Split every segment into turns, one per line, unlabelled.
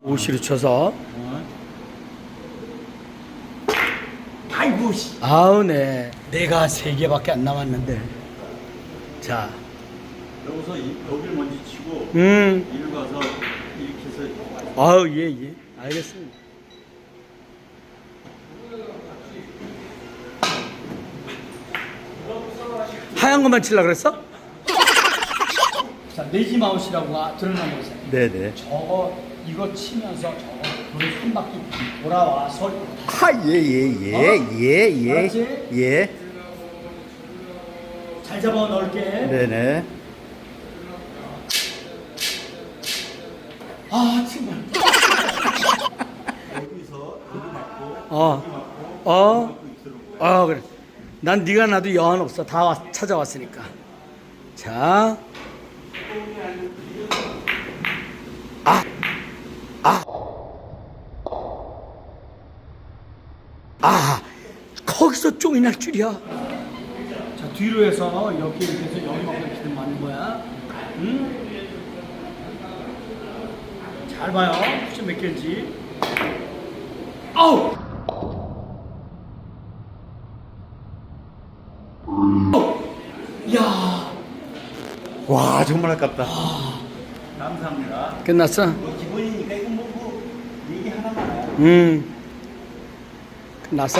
오시로 쳐서.
아이고 씨.
아우, 네. 내가 3개밖에 안 남았는데. 자.
여기서 여기를 먼저 치고 이리 가서 이렇게 해서.
아우, 예, 예. 알겠습니다. 하얀 것만 치려고 그랬어? 자, 레지 마우스라고 드러난 거죠.
네네.
저거 이거 치면서 저거 돌을 한 바퀴 돌아와서
예예예예예
알았지?
예.
잘 잡아 넣을게.
네네.
아, 정말.
여기서 여기 맞고
그래. 난 네가 나도 여한 없어. 다 찾아왔으니까. 자. 거기서 쫑이 날 줄이야. 자, 뒤로 해서 여기 이렇게 해서 여기만 이렇게 맞는 거야. 응? 잘 봐요. 쿠션 몇 개인지. 아우! 야,
와 정말 아깝다. 감사합니다.
끝났어?
뭐 기본이니까 이거 뭐 얘기 하나만.
났어.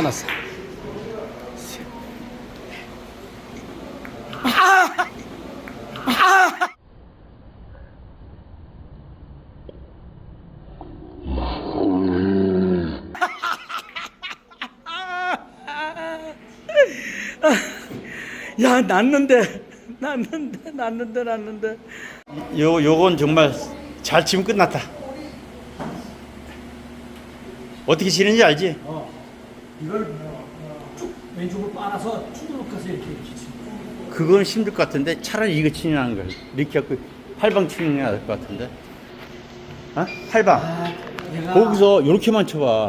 야, 났는데.
요건 정말 잘 치면 끝났다. 어떻게 치는지 알지?
이걸 쭉 왼쪽으로 빨아서 쭉 가서 이렇게 치지.
그건 힘들 것 같은데 차라리 이거 치는 걸 이렇게 갖고 팔방 치는 게 나을 것 같은데. 어? 팔방.
내가
거기서 이렇게만 쳐봐.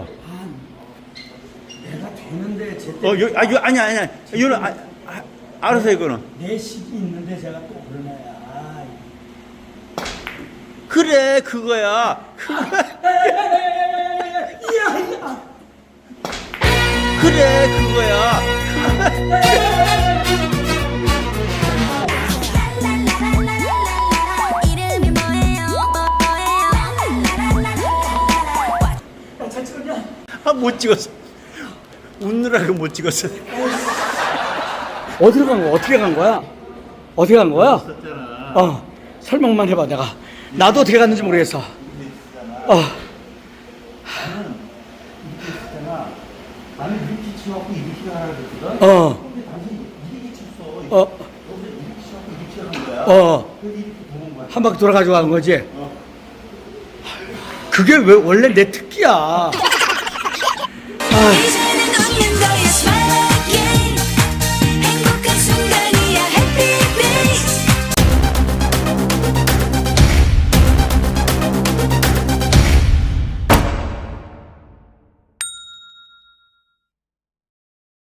내가 되는데 제때
이거 아니야. 이거는 알아서 이거는.
내 식이 있는데 제가 또 그러나야.
그래 그거야. 그래 그거야.
이름이 뭐예요?
잘 찍었냐?
못 찍었어. 웃느라고 못 찍었어.
어디로 간 거야? 어떻게 간 거야? 어떻게 간 거야? 설명만 해봐. 내가 나도 어떻게 갔는지 모르겠어.
나는 이렇게 치갖고 이렇게 하라 그랬거든. 근데 당신이 이렇게 쳤어. 여기서 이렇게 치갖고 이렇게 하는 거야. 그래서 이렇게 도는 거야.
한 바퀴 돌아가지고 간 거지. 그게 왜 원래 내 특기야.
이제